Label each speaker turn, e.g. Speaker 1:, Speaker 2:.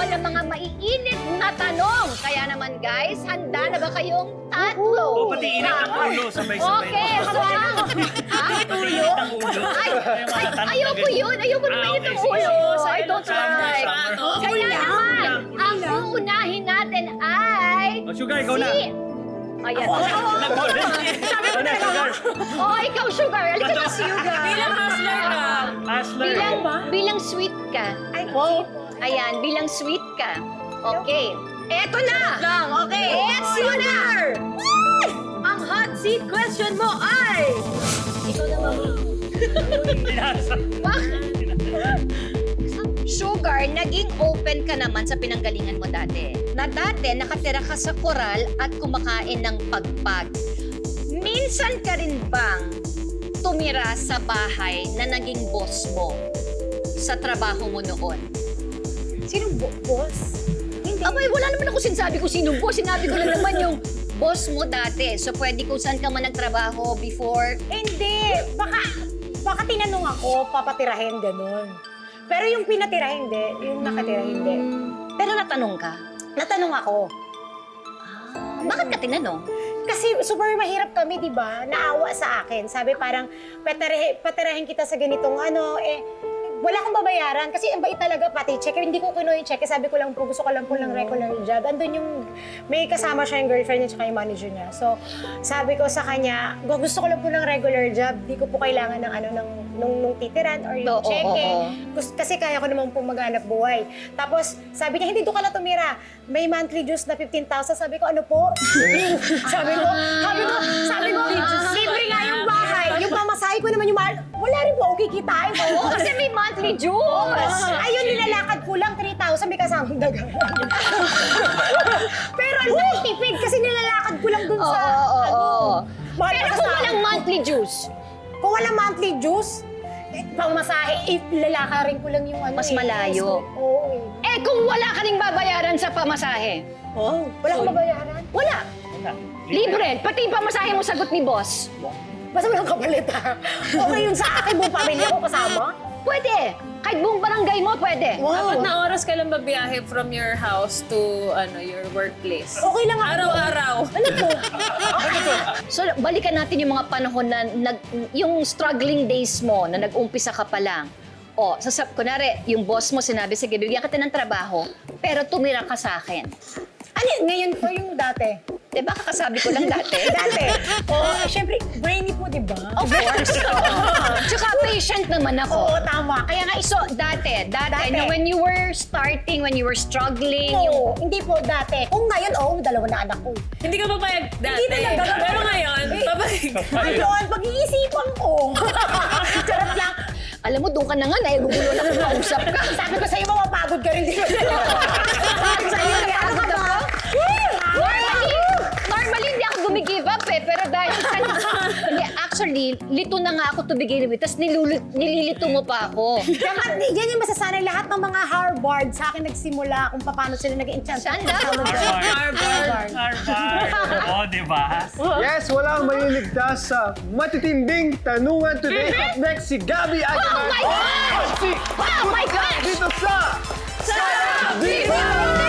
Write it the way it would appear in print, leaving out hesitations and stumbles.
Speaker 1: ng mga maiinit na tanong. Kaya naman guys, handa na ba kayong tatlo?
Speaker 2: O, pati init ang ulo, sabay-sabay.
Speaker 1: Okay, swang.
Speaker 2: Pati init ang ulo.
Speaker 1: Ayoko yun. Ayoko na mainit ang ulo. I don't like. Kaya naman, ang uunahin natin ay...
Speaker 2: O, Sugar, ikaw na.
Speaker 1: Ayan.
Speaker 2: Sabi ko na, Sugar.
Speaker 1: Oh, ikaw, Sugar. Halika na, Sugar.
Speaker 3: Bilang hustler ka.
Speaker 2: Hustler.
Speaker 1: Bilang sweet ka. Ayan, bilang sweet ka. Okay. Eto na!
Speaker 3: Okay.
Speaker 1: It's Sugar!
Speaker 3: Ang hot seat question mo ay... Ikaw na, Mami.
Speaker 2: Pinasa.
Speaker 1: Sugar, naging open ka naman sa pinanggalingan mo dati. Na dati, nakatira ka sa koral at kumakain ng pagpag. Minsan ka rin bang tumira sa bahay na naging boss mo sa trabaho mo noon?
Speaker 3: Sinong boss? Hindi.
Speaker 1: Abay, wala naman ako sinasabi ko sinong boss. Sinabi ko lang naman yung boss mo dati. So, pwede kung saan ka man nagtrabaho before.
Speaker 3: Hindi. Baka tinanong ako, papatirahin, ganun. Pero yung pinatira, hindi. Yung nakatira, hindi.
Speaker 1: Pero natanong ka.
Speaker 3: Natanong ako.
Speaker 1: Bakit ka tinanong?
Speaker 3: Kasi super mahirap kami, di ba? Naawa sa akin. Sabi parang, patirahin kita sa ganitong wala akong babayaran. Kasi ang bait talaga, pati check. Hindi ko kinuha yung check. Sabi ko lang po, gusto ko lang po ng regular job. Andun yung, may kasama siya yung girlfriend niya tsaka yung manager niya. So, sabi ko sa kanya, gusto ko lang po ng regular job. Di ko po kailangan ng nung titiran or yung check. Kasi kaya ko naman po maghanap buhay. Tapos, sabi niya, hindi doon ka na tumira. May monthly dues na 15,000. Sabi ko, ano po? sabi ko, libre nga yung bahay. Yung pamasahe ko naman yung mahal. Wala rin po, okay kitain ko.
Speaker 1: Kasi may monthly dues.
Speaker 3: Ayun, nilalakad ko lang 3,000, may kasamang daga. Pero tipid kasi nilalakad ko lang dun sa... mahal
Speaker 1: Pero
Speaker 3: pa
Speaker 1: kung
Speaker 3: sa-
Speaker 1: walang monthly dues,
Speaker 3: Kung walang monthly dues, pangmasahe, lalakarin ko lang yung ano.
Speaker 1: Mas malayo.
Speaker 3: Oo.
Speaker 1: kung wala ka ning babayaran sa pamasahe.
Speaker 3: Wala kang babayaran?
Speaker 1: Wala. Libre. Pati yung pamasahe mo sagot ni boss.
Speaker 3: Basta walang kapalit ha. Okay yun sa akin, buong pamilya ko kasama.
Speaker 1: Pwede. Kahit buong barangay mo, pwede.
Speaker 4: Apat na oras ka lang babiyahe from your house to your workplace.
Speaker 3: Okay lang ako.
Speaker 4: Araw-araw.
Speaker 3: Ano po?
Speaker 1: So, balikan natin yung mga panahon na yung struggling days mo na nag-umpisa ka pa lang. O, kunwari, yung boss mo sinabi, sige, bigyan kita ng trabaho, pero tumira ka sa akin.
Speaker 3: Ano, ngayon po yung dati.
Speaker 1: Diba, kakasabi ko lang dati.
Speaker 3: Dati. Siyempre, brainy po, di ba?
Speaker 1: Of course. Tsaka patient naman ako.
Speaker 3: Oo, tama.
Speaker 1: Kaya nga, dati, na when you were starting, when you were struggling,
Speaker 3: Oo, hindi po dati. Kung ngayon, dalawa na anak ko.
Speaker 4: Hindi ka papayag dati.
Speaker 3: Hindi talaga.
Speaker 4: Pero ngayon, papayag.
Speaker 3: Ngayon, pag-iisipan ko. Charot lang.
Speaker 1: alam mo, doon ka na nga, naigugulo na kung kausap ka.
Speaker 3: Sabi ko sa'yo, mapapagod ka rin dito. Sabi sa'yo, ano ka ba?
Speaker 1: Normally, hindi ako gumigive up pero dahil hindi, actually, lito na nga ako to begin with, tapos nililito mo pa ako.
Speaker 3: Yan yung masasanay lahat ng mga Harvard sa akin nagsimula kung paano sila nag-enchant.
Speaker 1: Sanda?
Speaker 4: Harvard.
Speaker 2: Oo, di ba?
Speaker 5: Yes, walang maliligtas sa matitinding tanungan today. Up next, si Gabby Agaman.
Speaker 1: Oh my God!
Speaker 5: Si
Speaker 1: Oh my God!
Speaker 5: dito sa
Speaker 1: Viva!